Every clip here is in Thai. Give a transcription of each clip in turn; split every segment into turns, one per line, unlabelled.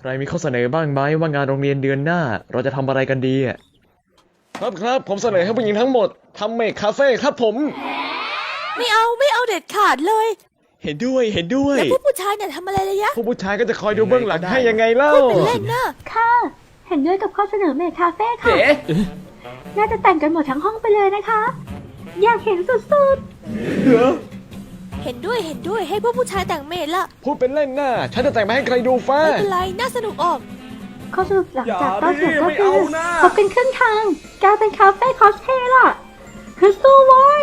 ใครมีข้อเสนอบ้างไหมว่างานโรงเรียนเดือนหน้าเราจะทำอะไรกันดีอ่ะครับผมเสนอให้ผู้หญิงทั้งหมดทำเมคคาเฟ่ครับผม
ไม่เอาเด็ดขาดเลย
เห็นด้วย
แล้วผู้ชายเนี่ยทำอะไรเลยยะ
ผู้ชายก็จะคอยดูเบื้องหลังให้ยังไงเล่า
เป็นเล่นนะ
ค่ะเห็นด้วยกับข้อเสนอเมคคาเฟ่ค่ะน่าจะแต่งกันหมดทั้งห้องไปเลยนะคะอยากเห็นสุด
เห็นด้วยให้พวกผู้ชายแต่งเมดละ
พูดเป็นเล่นน่ะฉันจะแต่งมาให้ใครดูฟ้า
ไม่เป็นไรน่าสนุกออก
ข้อสรุปหลังจากต้นเสียงก็คือพบกันครึ่งทางกลายเป็นคาเฟ่คอสเพลย์ล่ะคือสู้ไว้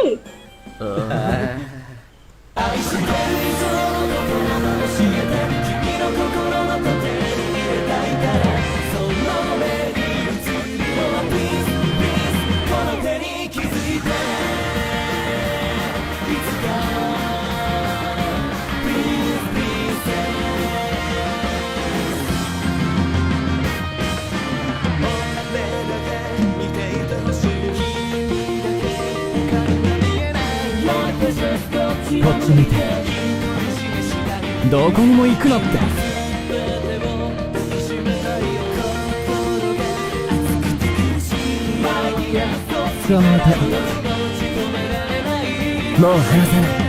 こっち見てどこにも行くなって捕まえたもう離さない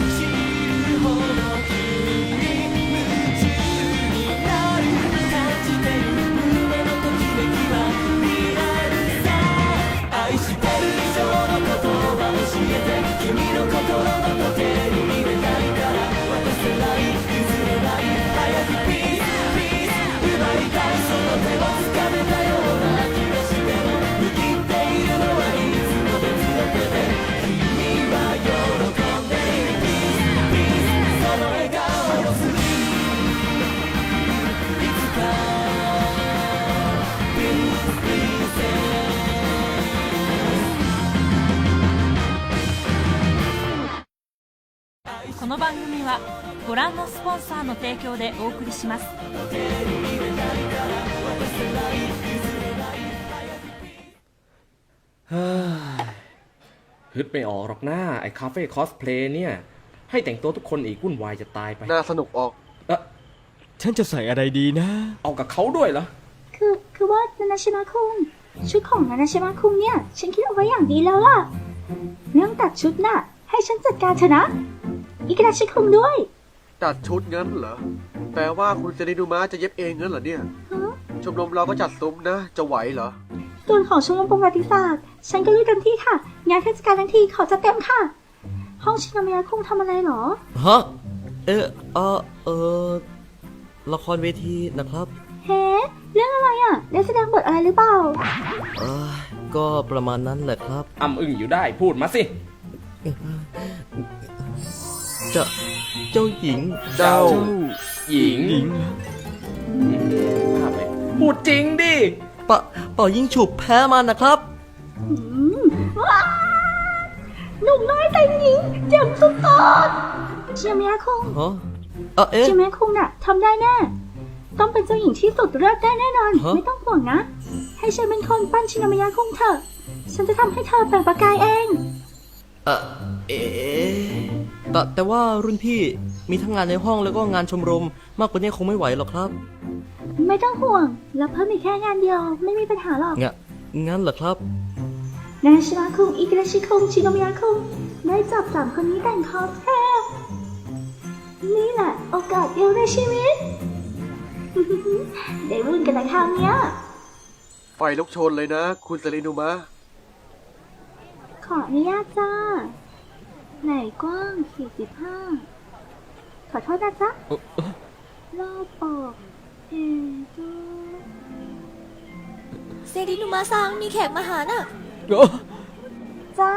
この番組はご覧のスポンサーの提供でお送りします
ฮึดไม่ออกหรอกหน้าไอ้คาเฟ่คอสเพลย์เนี่ยให้แต่งตัวทุกคนอีกวุ่นวายจะตายไป
น่าสนุกออก
ฉันจะใส่อะไรดีนะ
เอากับเขาด้วยเหรอ
คือว่านานาชิมะคุงชุดของนานาชิมะคุงเนี่ยฉันคิดเอาไว้อย่างดีแล้วล่ะเรื่องตัดชุดน่ะให้ฉันจัดการเถอะนะอิกราชิคุงด้วย
ตัดชุดงั้นเหรอแปลว่าคุณเซรินุมะจะเย็บเองงั้นเหรอเนี่ยชมรมเราก็จัดซุ้มนะจะไหวเหรอ
ส่วนของชมรมประวัติศาสตร์ฉันก็ลุยเต็มที่ค่ะงานเทศกาลทั้งทีขอจัดเต็มค่ะห้องชินามะคุงทำอะไรหรอ
ฮะละครเวทีนะครับ
เฮ้เรื่องอะไรอ่ะได้แสดงบทอะไรหรือเปล่า
ก็ประมาณนั้นแหละครับ
อ้ำอึ้งอยู่ได้พูดมาสิ
เจ้าหญิง
เจ้าหญิงพูดจริงดิ
เป่ายิงฉุบแพ้มันนะครับ
หนุ่มน้อยแต่งหญิงเจ๋งสุดๆชินามะคุงชินามะคุงน่ะทำได้แน่ต้องเป็นเจ้าหญิงที่สุดเลิศได้แน่นอนไม่ต้องห่วงนะให้ฉันเป็นคนปั้นชินามะคุงเถอะฉันจะทำให้เธอแปลงประกายเอง
แต่ว่ารุ่นพี่มีทั้งงานในห้องแล้วก็งานชมรมมากกว่านี้คงไม่ไหวหรอกครับ
ไม่ต้องห่วงแล้วเพิ่มอีกแค่งานเดียวไม่มีปัญหาหรอก
งั้นเหรอครับ
นานาชิมะคุงอิกราชิคุงชินามะคุงได้จับ3คนนี้แต่งคอสเพลย์นี่แหละโอกาสเดียวในชีวิตได้วุ่นกันในคราวนี้
ไฟลุกโชนเลยนะคุณเซรินุมะ
ขออนุญาตจ้าไหนกว้าง45ขอโทษนะจ๊ะรอบออก
เซรินุมาซังมีแขกมาหาน่ะ
จ้า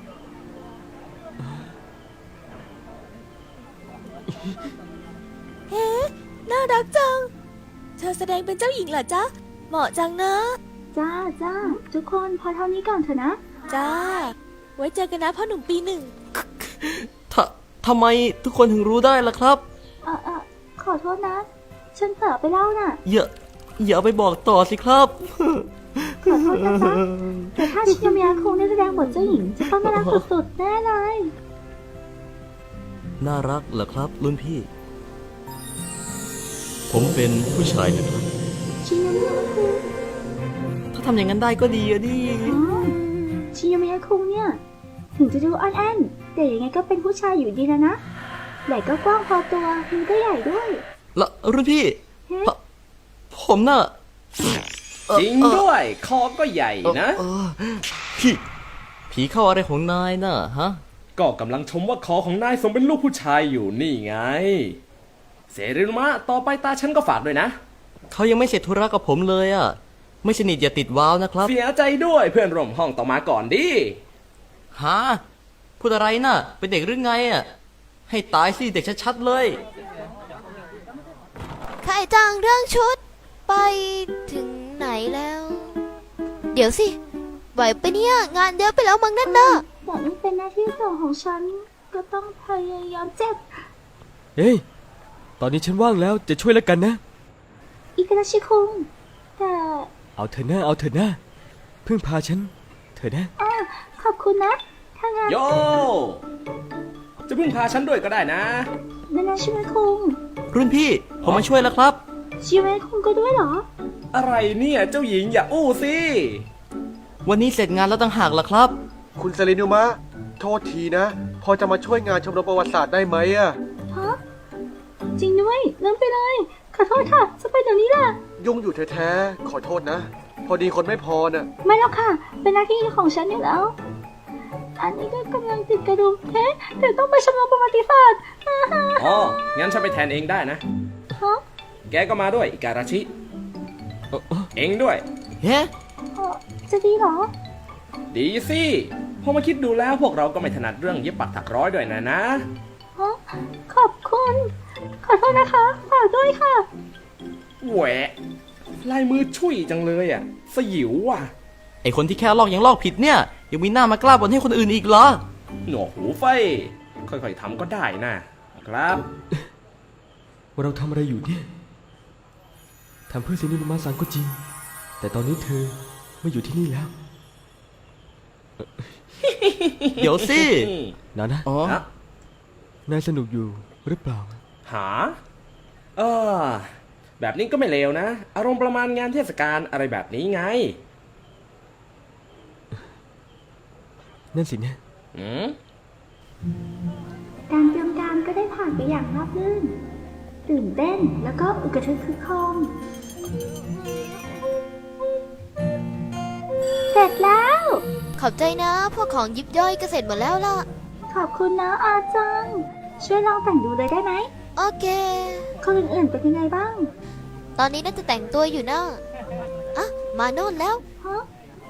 เฮ้น่ารักจังเธอแสดงเป็นเจ้าหญิงเหรอจ๊ะเหมาะจังนะ
จ้าทุกคนพอเท่านี้ก่อนเถอะนะ
จ้าไว้เจอกันนะพ่อหนุ่มปีหนึ่ง
ทำไมทุกคนถึงรู้ได้ล่ะครับ
ขอโทษนะฉันเผลอไปเล่าน่ะ
อย่าไปบอกต่อสิครับ
ขอโทษนะจ๊ะแต่ถ้าชินามะคุงได้แสดงบทเจ้าหญิงจะต้องน่ารักสุดๆแน่เลย
น่ารักเหรอครับรุ่นพี่ผมเป็นผู้ชายนะครับ
ชิโยมิยะคุง
ถ้าทำอย่างนั้นได้ก็ดีอะดิ
อ๋อชิโยมิยะคุงเนี่ย ถึงจะดูอ่อนแอนแต่ยังไงก็เป็นผู้ชายอยู่ดีนะไหล่ก็กว้างพอตัวมือก็ใหญ่ด้วย
แล้วรุ่นพี่
เฮ้
ผมน่ะ
จริงด้วย คอก็ใหญ่นะ
พี่ผีเข้าอะไรของนายน่ะฮะ
ก็กำลังชมว่าคอของนายสมเป็นลูกผู้ชายอยู่นี่ไง เสรีนุมะต่อไปตาฉันก็ฝากด้วยนะ
เขายังไม่เสร็จธุระกับผมเลยอ่ะ ไม่สนิทอย่าติดว้าวนะครับ
เสียใจด้วยเพื่อนร่วมห้องต้องมาก่อนดิ
ฮะพูดอะไรน่ะ เป็นเด็กหรือไงอ่ะ ให้ตายสิเด็กชัดๆเลย
ใครจังเรื่องชุด ไปถึงไหนแล้ว เดี๋ยวสิ ไหวปะเนี่ย งานเยอะไปแล้วมั้งนั่นน่ะ
แต่มันเป็นหน้าที่สองของฉัน ก็ต้องพยายามเจ็บ
เฮ้ย ตอนนี้ฉันว่างแล้วจะช่วยแล้วกันนะ
อิกาดาชิคุงแต่
เอาเถอะนะเอาเถอะนะพึ่งพาฉันเถอะนะ
ขอบคุณนะ ถ้างั้น
โย จะพึ่งพาฉันด้วยก็ได้นะ
นานาชิเมะคุง
รุ่นพี่ผมมาช่วยแล้วครับ
ชิเมะคุงก็ด้วยเหรอ
อะไรเนี่ยเจ้าหญิงอย่าอู้สิ
วันนี้เสร็จงานแล้วต่างหากล่ะครับ
คุณเซรินุมะ โทษทีนะ พอจะมาช่วยงานชมรมประวัติศาสตร์ได้ไหมอะ
ฮะ จริงด้วยลืมไปเลย ขอโทษค่ะ จะไปเดี๋ยวนี้ล่ะ
ยุ่งอยู่แท้ๆ ขอโทษนะ พอดีคนไม่พอน่ะ
ไม่แล้วค่ะ เป็นหน้าที่ของฉันอยู่แล้ว อันนี้ก็กำลังติดกระดุมเฮ้แต่ต้องไปชมรมประวัติศาสตร์ฮ่าฮ่า
อ๋อ งั้นฉันไปแทนเองได้นะ
ฮะ
แกก็มาด้วยอิการาชิ เองด้วย
เฮ้
จะดีเหรอ
ดีสิพอมาคิดดูแล้วพวกเราก็ไม่ถนัดเรื่องเย็บปักถักร้อยด้วยนะ
ฮะ ขอบคุณ ขอโทษนะคะ ฝากด้วยค่ะ
แหวะ ลายมือช่วยจังเลยอ่ะ สยิวว่ะ
ไอคนที่แค่ลอกยังลอกผิดเนี่ย ยังมีหน้ามากล้าบ่นให้คนอื่นอีกเหรอ
หนวกหูไฟ ค่อยๆทำก็ได้นะครับ
ว่าเราทำอะไรอยู่เนี่ยทำเพื่อเซนินุมะซังก็จริง แต่ตอนนี้เธอไม่อยู่ที่นี่แล้ว
เดี๋ยวสิ
นะนะ
อ๋อ
ฮะ
นายสนุกอยู่หรือเปล่า
หา เออ แบบนี้ก็ไม่เลวนะ อารมณ์ประมาณงานเทศกาลอะไรแบบนี้ไง
นั่นสินะ
อืม
การเตรียมการก็ได้ผ่านไปอย่างราบรื่น ตื่นเต้นแล้วก็อึกกระทึกคึกโครมเสร็จแล้ว
ขอบใจนะ พวกของยิบย่อยก็เสร็จหมดแล้วล่ะ
ขอบคุณนะอาจัง ช่วยลองแต่งดูเลยได้ไหม
โอเค
คนอื่นๆเป็นยังไงบ้าง
ตอนนี้น่าจะแต่งตัวอยู่นะอ่ะ มาโน่นแล้ว
ฮะ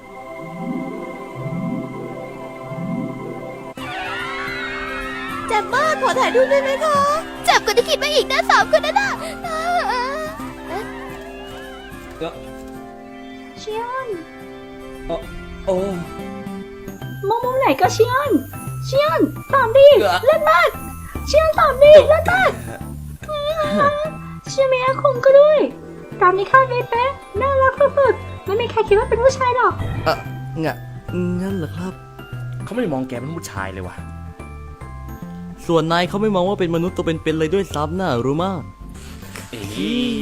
เจ็บมาก ขอถ่ายรูปได้ไหมคะ เจ็บกว่าที่คิดมาอีกนะสามคนนั่นน่ะ
เชียน
โอ้
มองมุมไหนก็เชียน เชียนตามดิเล่นมาก เชียนตามดิเล่นมากเชียนเมียคงก็ด้วย ตามนี้คาดไม่เป๊ะน่ารักสุดๆไม่มีใครคิดว่าเป็นผู้ชายหรอก
งั้นเหรอครับ
เขาไม่มองแกเป็นผู้ชายเลยว่ะ
ส่วนนายเขาไม่มองว่าเป็นมนุษย์ตัวเป็นๆเลยด้วยซ้ำน่ะรู้มาก
เอ้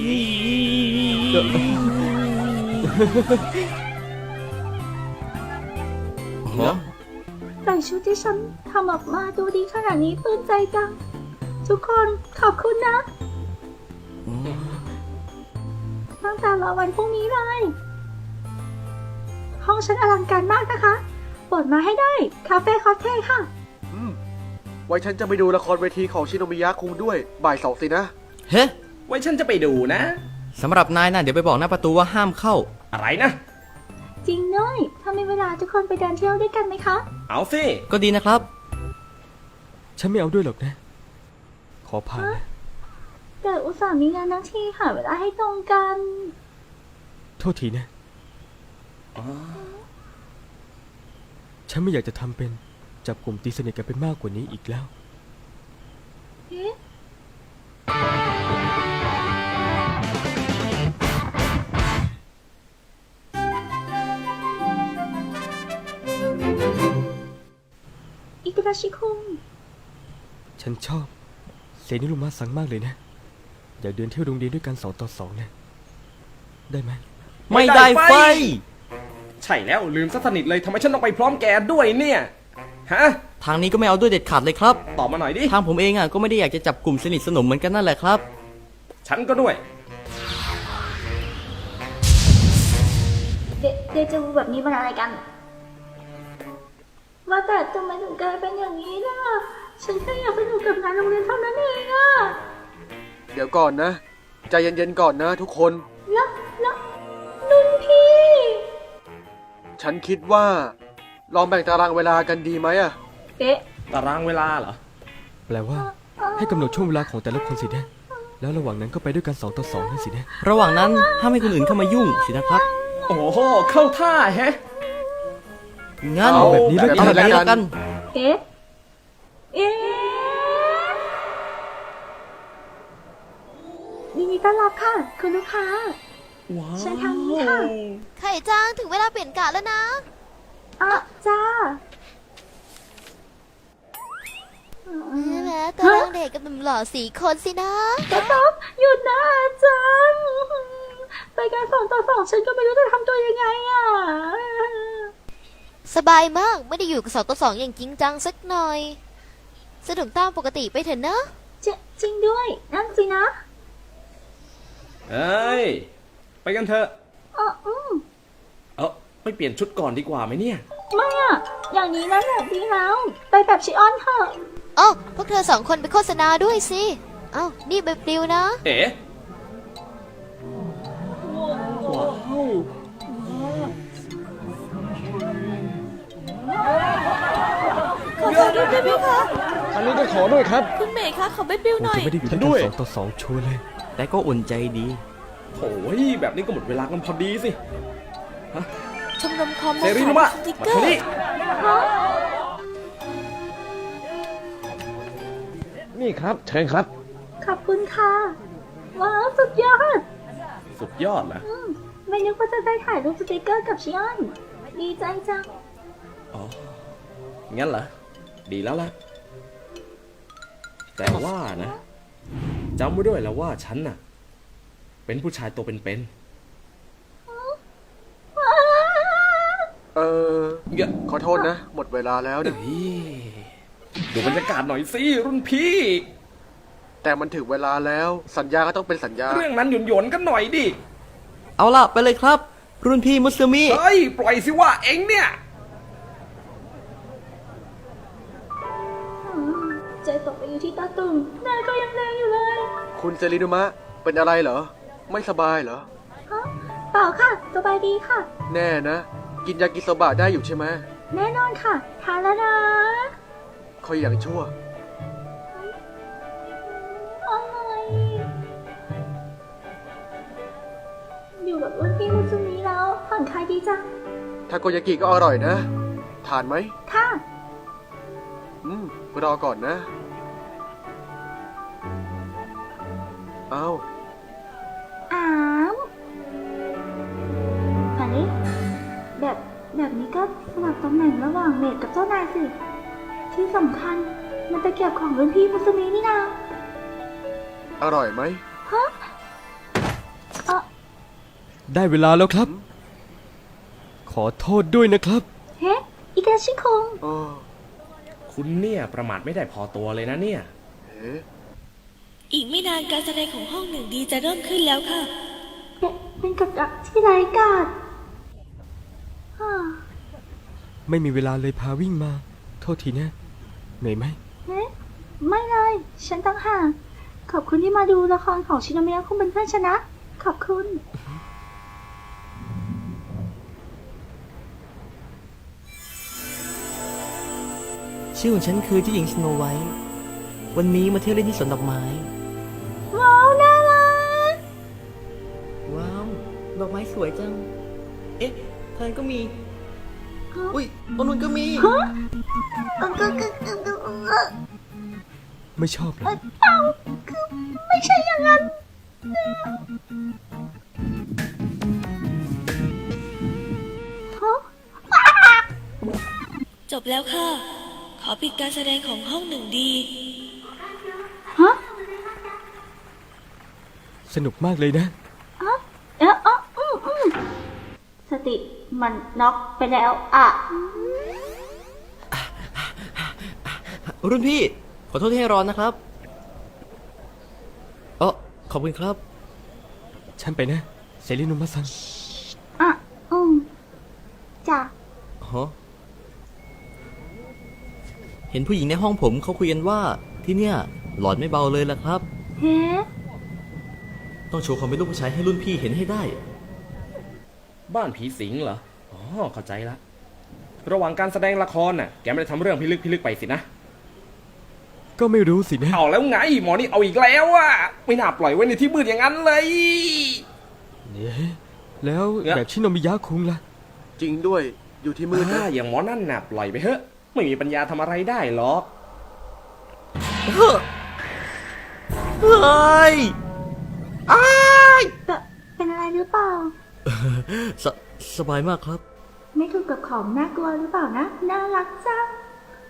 ย
แต่ชุดที่ฉันทำออกมาดูดีขนาดนี้ปลื้มใจจัง ทุกคนขอบคุณนะ ตั้งแต่รอวันพรุ่งนี้เลย ห้องฉันอลังการมากนะคะโปรดมาให้ได้ คาเฟ่คอสเทลค่ะ
ไว้ฉันจะไปดูละครเวทีของชิโนมิยะคุงด้วยบ่ายสองสินะ
เฮ้
ไว้ฉันจะไปดูนะ
สำหรับนายน่ะเดี๋ยวไปบอกหน้าประตูว่าห้ามเข้า
อะไรนะ
จริงด้วย ถ้ามีเวลาทุกคนไปเดินเที่ยวด้วยกันไหมคะ
เอาสิ
ก็ดีนะครับ
ฉันไม่เอาด้วยหรอกนะ ขอผ่านนะ
แต่อุตส่าห์มีงานทั้งทีหาเวลาให้ตรงกัน
โทษทีนะ ฉันไม่อยากจะทำเป็นจับกลุ่มตีสนิทกันเป็นมากกว่านี้อีกแล้ว
เอ๊ะ อิกราชิคุง
ฉันชอบเซนิรุมะซังมากเลยนะอยากเดินเที่ยวโรงเรียนด้วยกัน2 ต่อ 2นะได้ไหม
ไม่ได้ไฟ
ใช่แล้วลืมซะสนิทเลยทำไมฉันต้องไปพร้อมแกด้วยเนี่ยฮะ
ทางนี้ก็ไม่เอาด้วยเด็ดขาดเลยครับ
ตอบมาหน่อยดิ
ทางผมเองก็ไม่ได้อยากจะจับกลุ่มสนิทสนมเหมือนกันนั่นแหละครับ
ฉันก็ด้วย
เดจาวูแบบนี้มันอะไรกัน ว่าแต่ทำไมถึงกลายเป็นอย่างนี้ล่ะ ฉันแค่อยากสนุกกับงานโรงเรียนเท่านั้นเองอะ
เดี๋ยวก่อนนะ ใจเย็นๆก่อนนะทุกคน
แล้วรุ่นพี่
ฉันคิดว่า ลองแบ่งตารางเวลากันดีไหมอะ
เอ๊ะ
ตารางเวลาเหรอ
แปลว่าให้กำหนดช่วงเวลาของแต่ละคนสินะแล้วระหว่างนั้นก็ไปด้วยกัน2 ต่อ 2นั่นสินะ
ระหว่างนั้นห้ามให้คนอื่นเข้ามายุ่งสินะครับ
โอ้โหเข้าท่าแฮะ
งั้น
เอาแบบนี้แล้ว
เอาแบบนี้แล้วกัน
เอ๊ะ เอ๊ะยินดีต้อนรับค่ะ คุณลูกค้า
ว้าว
เชิญทางนี้ค่ะ
ไข่จ้างถึงเวลาเปลี่ยนกะแล้วนะ
อ่ะจ้า
ใช่ไหมตารางเด็กกับหนุ่มหล่อ4 คนสินะ
ก็ต้องหยุดนะอาจารย์ไปการ2 ต่อ 2ฉันก็ไม่รู้จะทำตัวยังไงอ่ะ
สบายมากไม่ได้อยู่กับ2 ต่อ 2อย่างจริงจังสักหน่อย สนุกตามปกติไปเถอะนะ
จริงด้วย นั่นสินะ
เอ้ย ไปกันเถอะ ไปเปลี่ยนชุดก่อนดีกว่าไหมเนี่ย
ไม่อ่ะ อย่างนี้นะแบบดีแล้ว ไปแบบชิออนเถอะ
เอ้าพวกเธอ2 คนไปโฆษณาด้วยสิ เอ้านี่ใบปลิวนะ
เอ๋ว้าว
ขอถ่ายรูปได้ไหมคะ
อันนี้ก็ขอด้วยครับ
คุณเมย์คะขอใบปลิว
คง
หน่อย
จะไม่ได้อยู่
ฉั
ด้วย
นด้วย
กัน2 ต่อ 2ชัวร์เลย
แต่ก็อุ่นใจดี
โอ้ยแบบนี้ก็หมดเวลากันพอดีสิ
ชมรมคอม
เซรีนุมะ
สติก
มา
เกอ
ทาง
ร์
นี้
นี่ครับ เชิญครับ
ขอบคุณค่ะ ว้าว สุดยอด
สุดยอดนะ
ไม่นึกว่าจะได้ถ่ายรูปสติกเกอร์กับชิออน ดีใจจัง
อ๋อ งั้นเหรอ ดีแล้วล่ะ แต่ว่านะจำไว้ด้วยแล้วว่าฉันน่ะ เป็นผู้ชายตัวเป็น
เยอะขอโทษนะ หมดเวลาแล้ว
ๆ
เนี่ย
เฮ้ยดูบรรยากาศหน่อยสิรุ่นพี่
แต่มันถึงเวลาแล้ว สัญญาก็ต้องเป็นสัญญา
เรื่องนั้นหยวนๆกันหน่อยดิ
เอาล่ะ ไปเลยครับ รุ่นพี่มุสลิมี
เฮ้ย ปล่อยสิว่าเอ็งเนี่ย
ใจตกไปอยู่ที่ตาตุ่มหน้าก็ยังแดงอยู่เลย
คุณเซรินุมะ เป็นอะไรเหรอ ไม่สบายเหรอ
ฮะ เปล่าค่ะ สบายดีค่ะ
แน่นะ กินยากิโซบะได้อยู่ใช่ไหม
แน่นอนค่ะ ทานแล้วนะ
คอยอย่างชั่ว
อะไรอยู่กับรุ่นพี่มุสมิแล้วผ่อนคลายดีจัง
ทาโกยากิก็อร่อยนะ ทานไหม
ค่ะ
รอก่อนนะ เอา
อ้ามอันนี้แบบนี้ก็สลับตำแหน่งระหว่างเมดกับเจ้านายสิ ที่สำคัญมันตะเกียบของรุ่นพี่มุสมินี่นา
อร่อยไหม
ฮะ
ได้เวลาแล้วครับ ขอโทษด้วยนะครับ
เฮ้อิกาชิคง
โอ้
คุณเนี่ยประมาทไม่ได้พอตัวเลยนะเนี่ย
เอ๊ะ
อีกไม่นานการแสดงของห้องหนึ่งดีจะเริ่มขึ้นแล้วค่ะ
เป็นกับดักที่ไร้กาดฮ่า
ไม่มีเวลาเลยพาวิ่งมา โทษทีนะเหนื่อยไหม
เฮ้ไม่เลย ฉันตั้งห่างขอบคุณที่มาดูละครของชินโนมิยะคุงเป็นเพื่อนฉันนะ ขอบคุณ
ชื่อของฉันคือเจ้าหญิงสโนไวท์ วันนี้มาเที่ยวเล่นที่สวนดอกไม้
ว้าว น่ารัก
ว้าว ดอกไม้สวยจัง เอ๊ะทางก็มี อุ้ยตรงนู้นก็มี
ไม่ชอบเหรอ
ไม่ใช่อย่างนั้น
จบแล้วค่ะ ขอปิดการแสดงของห้องหนึ่งดี
ฮะ
สนุกมากเลยนะ
สติมันน็อกไปแล้วอ่ะ
รุ่นพี่ ขอโทษที่ให้รอนนะครับขอบคุณครับ
ฉันไปนะเซรินุมะซัง
อ่ะจ้ะ
ฮะ เห็นผู้หญิงในห้องผมเขาคุยกันว่าที่เนี่ยหลอนไม่เบาเลยล่ะครับ
เฮ้
ต้องโชว์ความเป็นลูกผู้ชายให้รุ่นพี่เห็นให้ได้
บ้านผีสิงเหรอ อ๋อ เข้าใจละ ระหว่างการแสดงละครน่ะ แกไม่ได้ทำเรื่องพิลึกไปสินะ
ก็ไม่รู้สินะ
เอาแล้วไง หมอนี่เอาอีกแล้วอะไม่น่าปล่อยไว้ในที่มืดอย่างนั้นเลย
เนี่ยแล้วแบบชิโนมิยะคุงล่ะ
จริงด้วย อยู่ที่มืดนะ
อย่างหมอนั่นน่ะปล่อยไปเถอะ ไม่มีปัญญาทำอะไรได้หรอก
เฮ้ย
เป็นอะไรหรือเปล่า
สสบายมากครับ
ไม่ถูกกับของน่ากลัวหรือเปล่านะ น่ารักจัง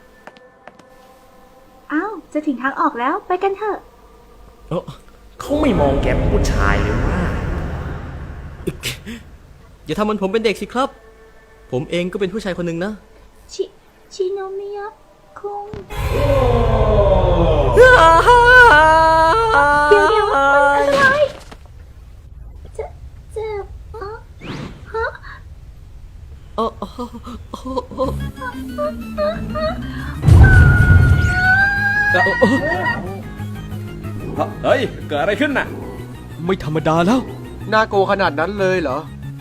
อ้าวจะถึงทางออกแล้วไปกันเถอะ
เขาไม่มองแกเป็นผู้ชายเลยว่า
อย่าทำเหมือนผมเป็นเด็กสิครับ ผมเองก็เป็นผู้ชายคนหนึ่งนะ
ชิโนมิยะคุงเดี๋ยวมันอะไรเจ็บฮะ
เฮ้ย เกิดอะไรขึ้นน่ะ
ไม่ธรรมดาแล้ว
น่าโกลัวขนาดนั้นเลยเหรอ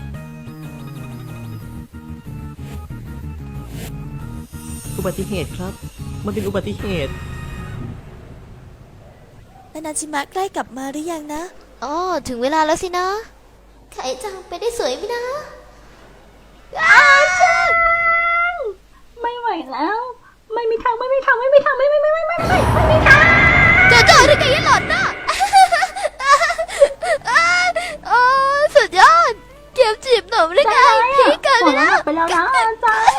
อุบัติเหตุครับ มันเป็นอุบัติเหตุ
นานาจิมะใกล้กลับมาหรือยังนะ
อ๋อ ถึงเวลาแล้วสินะ ไข่จังไปได้สวยไหมนะ
ไม่ไหวแล้ว ไม่มีทางไม่มีทาง
โจโจ้หรือไงยันหลอนน่ะ โอ้สุดยอด เก็บจีบหนุ่มหรือไงผีเกินไปแล้ว
ไปแล้วนะจัง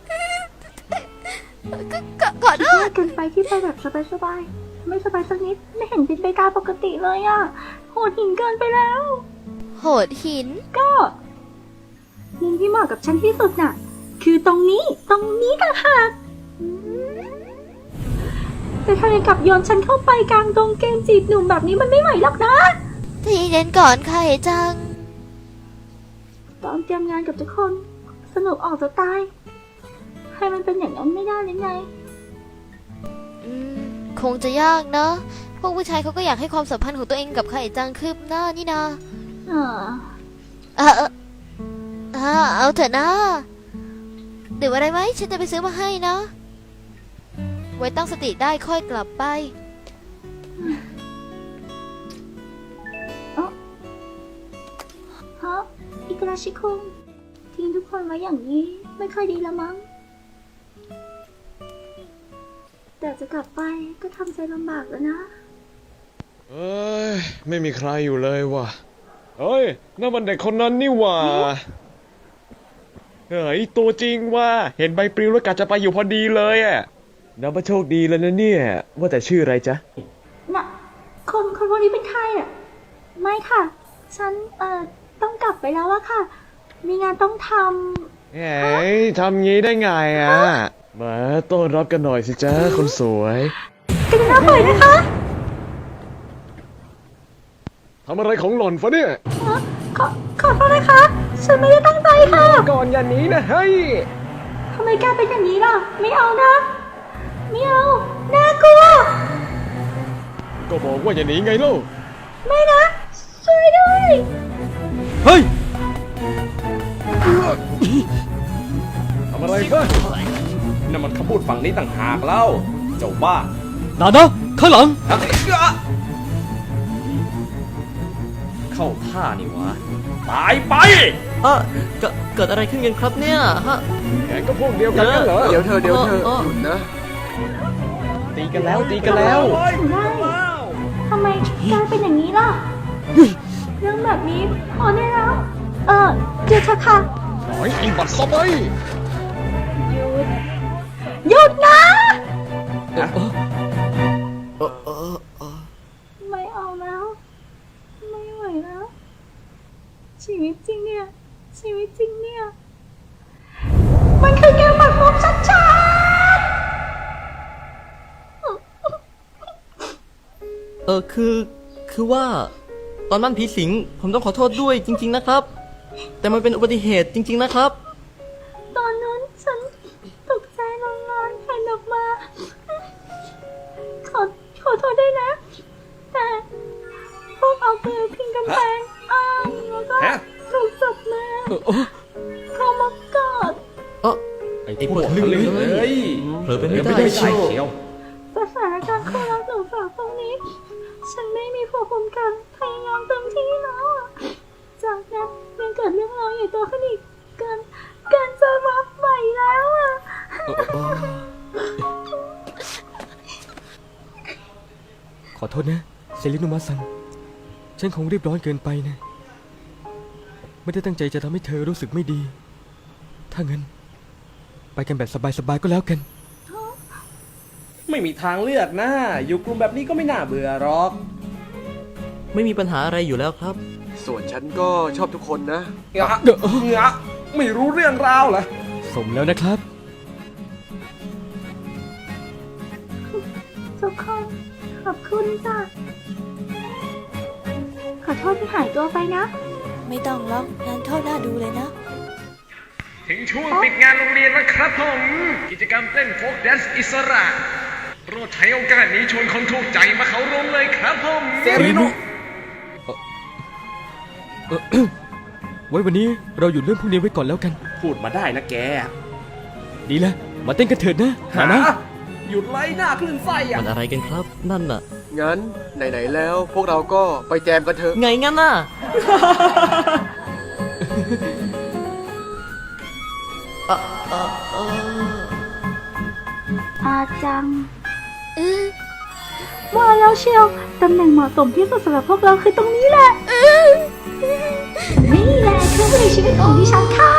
ขอโท
ยา
ษ
กเกินไปที่ไปแบบสบายๆไม่สบายสักนิด ไม่เห็นเป็นไปตามปกติเลยอ่ะ โหดหินเกินไปแล้ว
โหดหิน
ก็มุมที่เหมาะกับฉันที่สุดน่ะ คือตรงนี้ต่างหากแต่ถ้ายังกลับโยนฉันเข้าไปกลางดงเกมจีบหนุ่มแบบนี้มันไม่ไหวหรอกนะ
ทีเย็นก่อนไข่จัง
ตอนเตรียมงานกับทุกคนสนุกออกจะตาย ให้มันเป็นอย่างนั้นไม่ได้เลยไง
คงจะยากเนอะพวกผู้ชายเขาก็อยากให้ความสัมพันธ์ของตัวเองกับไข่จังคืบหน้านี่นาเอาเถอะนะดื่มอะไรไหมฉันจะไปซื้อมาให้นะ ไว้ตั้งสติได้ค่อยกลับไป
ฮะ อิกราชิคุงทิ้งทุกคนไว้อย่างนี้ไม่ค่อยดีละมั้ง แต่จะกลับไปก็ทำใจลำบากแล้วนะ
เอ้ย ไม่มีใครอยู่เลยว่ะเฮ้ยนั่นมันเด็กคนนั้นนี่หว่าเฮ้ยตัวจริงว่ะเห็นใบปลิวแล้วกะจะไปอยู่พอดีเลยอ่ะนับว่าโชคดีแล้วนะเนี่ย ว่าแต่ชื่ออะไรจ๊ะ
น่ะ คนพวกนี้เป็นใครอ่ะ ไม่ค่ะ ฉันต้องกลับไปแล้วอะค่ะ มีงานต้องท
เฮ้ยทำงี้ได้ไงอ่ะ มาต้อนรับกันหน่อยสิจ๊ะคนสวย
ำกันหน้าปล่อยนะคะ
ทำอะไรของหล่อนฟะเนี่ย
ขอโทษนะคะ ฉันไม่ได้ตั้งใจค่ะ
ก่อนอย่าหนีนะเฮ้ย
ทำไมแกเป็นอย่างนี้ล่ะ ไม่เอานะ ไม่เอา น่ากลัว
ก็บอกว่าอย่าหนีไงเล่า
ไม่นะ ช่วยด้วย
เฮ้ย
ทำอะไรเพื่อน
นั่นมันคำพูดฝั่งนี้ต่างหากเล่า เจ้าบ้า
นานะข้างหลัง
เข้าท่านี่วะ ตายไป
เกิดอะไรขึ้นกันครับเนี่ยฮะ
แกก็พวกเดียวกันกันเหรอ
เดี๋ยวเธอหยุดนะ
ตีกันแล้วตีกันแล้ว
ถึงได้ ทำไมแกเป็นอย่างนี้ล่ะ เรื่องแบบนี้พอได้แล้ว หยุดเถอะค่ะ
หน่อยอีบัตรซะไป
หยุดนะ ไม่เอาแล้ว ไม่ไหวชีวิตจริงเนี่ย ชีวิตจริงเนี่ย มันคือเกมปัดมุกชัดๆ
คือว่า ตอนบ้านผีสิงผมต้องขอโทษด้วยจริง ๆนะครับ แต่มันเป็นอุบัติเหตุจริง ๆนะครับ
ตอนนั้นฉันตกใจร้อนๆหันออกมา ขอโทษด้วยนะ แต่พวกเอาปืนพิงกำแพงแล้วก็
ฮะ
ถูกจับมาเขามากอด
ไอ้พวกทะลึ่งเลย
เผลอไปไม่ได้
เชียว
สถานการณ์คู่รักหนูสาวตรงนี้ ฉันไม่มีภูมิคุ้มกันพยายามเต็มที่แล้วอะจากนั้นยังเกิดเรื่องราวใหญ่โตขึ้นอีกเกินจะรับไหวแล้วอะ
ขอโทษนะเซรินุมะซังฉันคงรีบร้อนเกินไปนะ ไม่ได้ตั้งใจจะทำให้เธอรู้สึกไม่ดี ถ้างั้น ไปกันแบบสบายๆก็แล้วกัน
ไม่มีทางเลือกนะ อยู่กลุ่มแบบนี้ก็ไม่น่าเบื่อหรอก
ไม่มีปัญหาอะไรอยู่แล้วครับ
ส่วนฉันก็ชอบทุกคนนะ
ไม่รู้เรื่องราวเหรอ
สมแล้วนะครับ
ทุกคนขอบคุณจ้ะขอโทษที่หายตัวไปนะ
ไม่ต้องหรอกงานเข้าหน้าดูเลยนะ
ถึงช่วงปิดงานโรงเรียนแล้วครับผม กิจกรรมเต้นโฟล์กแดนซ์อิสระโปรดใช้โอกาสนี้ชวนคนถูกใจมาเข้าร่วมเลยครับผม
เซรินุ
ไว้วันนี้เราหยุดเรื่องพวกนี้ไว้ก่อนแล้วกัน
พูดมาได้นะแก
ดีแล้วมาเต้นกันเถิดนะหานะ
หยุดไล่หน้าคลื่นไส้อะ
มันอะไรกันครับ นั่นน่ะ
งั้นไหนๆแล้วพวกเราก็ไปแจมกันเถอะ
ไงงั้นน่ะ
อาจังว่าแล้วเชียว ตำแหน่งเหมาะสมที่สุดสำหรับพวกเราคือตรงนี้แหละ นี่แหละเครื่องมือชีวิตของดิฉันค่ะ